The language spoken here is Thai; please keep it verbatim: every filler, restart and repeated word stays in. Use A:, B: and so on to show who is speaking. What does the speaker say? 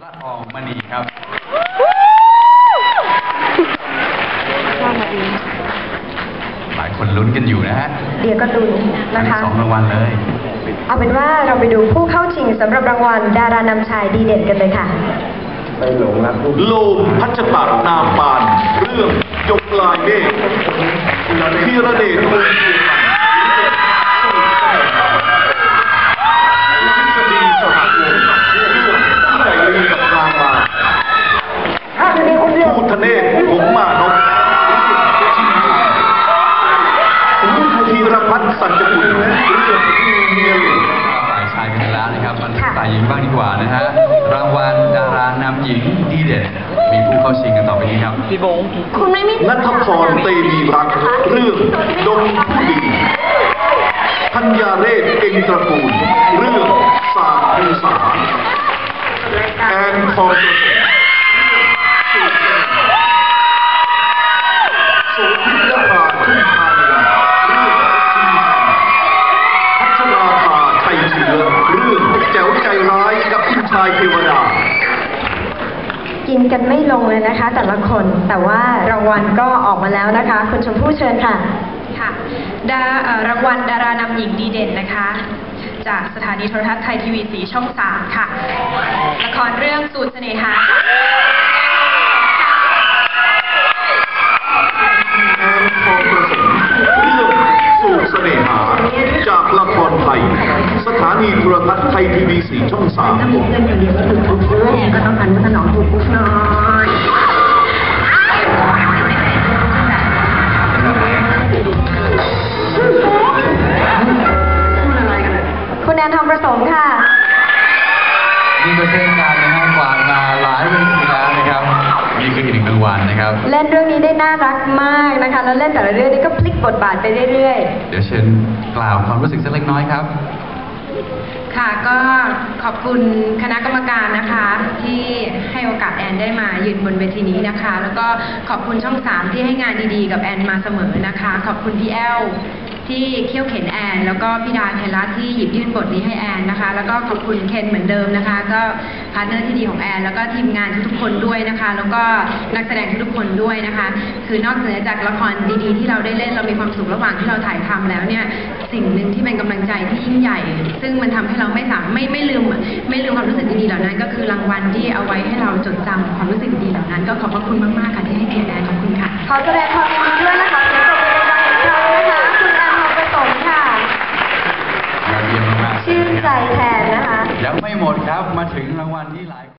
A: ละอองมณีครับหลายคนลุ้นกันอยู่นะฮะ
B: เดี๋ยวก็ลุ้นนะคะ
A: สองรางวัลเลย
B: เอาเป็นว่าเราไปดูผู้เข้าชิงสำหรับรางวัลดารานำชายดีเด่นกันเลยค่ะ
C: ไปหลงรักโลมพัชตะนามปานเรื่องยกลายเมฆธีรเดชวงศ์ทฤษฎีสหวงศ์เรื่องที่ใหญ่ลีกับนางมาภูทะเนศหงมานพธีรพัฒน์สัจกุลเรื่องเมียหลวง
A: ฝ่ายชายกันแล้วนะครับมันฝ่ายหญิงบ้างดีกว่านะฮะรางวัลดารานำหญิงดีเด่นมีผู้เข้าชิงกันต่อไปนี้ครับ
D: พี่บง
B: คุณไม่มี
C: ณัฐพรเตมีรักเรื่องดงผู้ดีธัญญาเรศเก่งตระกูลเรื่องสาภูษาแอนทองโสภิยภาทุ่งพานีเรื่องชีพัชราภาชัยเชื้อเรื่องแจ๋วใจร้ายกับคุณชายเทวดา
B: กินกันไม่ลงเลยนะคะแต่ละคนแต่ว่ารางวัลก็ออกมาแล้วนะคะคุณชมพู่เชิญค่ะ
E: ค่ะดารางวัลดารานำหญิงดีเด่นนะคะจากสถานีโทรทัศน์ไทยทีวีสีช่องสามค่ะละครเรื่องสูตรเสน่หา
C: แอนทองประสมเรื่องสูตรเสน่หาจากละครไทยสถานีโทรทัศน์ไทยทีวีสีช่องสาม
B: ถ้ามีเพื่อนอย่างเดียวก็ถูกปุ๊บแอนก็ต้องการสนองถูกปุ๊บน้อยคุณแอนทองประสมค่ะ
A: นี่ก็เช่นกันนะฮะกวาดมาหลายเวทีแล้วนะครับนี่คืออีกหนึ่งรางวัลนะครับ
B: เล่นเรื่องนี้ได้น่ารักมากนะคะแล้วเล่นแต่ละเรื่องนี้ก็พลิกบทบาทไปเรื่อย
A: ๆเดี๋ยวเชิญกล่าวความรู้สึกสักเล็กน้อยครับ
E: ค่ะก็ขอบคุณคณะกรรมการนะคะที่ให้โอกาสแอนได้มายืนบนเวทีนี้นะคะแล้วก็ขอบคุณช่องสามที่ให้งานดีๆกับแอนมาเสมอนะคะขอบคุณพี่แอลที่เขี่ยวเข็นแอนแล้วก็พี่ดาไทยรัฐที่หยิบยื่นบทนี้ให้แอนนะคะแล้วก็ขอบคุณเคนเหมือนเดิมนะคะก็พาร์ทเนอร์ที่ดีของแอนแล้วก็ทีมงานทุกๆคนด้วยนะคะแล้วก็นักแสดงทุกๆคนด้วยนะคะคือนอกเหนือจากละครดีๆที่เราได้เล่นเรามีความสุขระหว่างที่เราถ่ายทำแล้วเนี่ยสิ่งหนึ่งที่เป็นกำลังใจที่ยิ่งใหญ่ซึ่งมันทำให้เราไม่สามไม่ไม่ลืมไม่ลืมความรู้สึกดีๆเหล่านั้นก็คือรางวัลที่เอาไว้ให้เราจดจำความรู้สึกดีๆเหล่านั้นก็ขอบพระคุณมากๆค่ะที่ให้เกียรติแอนขอบคุณค่ะ
B: ขอแสดงความยินดีด้วยนะคะเสียงปรบมือดังๆอีกครั้งนะคะคุณแอนทองประสมค่ะ
A: ยอดเยี่ยมมาก
B: ชื่นใจแทนนะคะ
A: ยังไม่หมดครับมาถึงรางวัลที่หลาย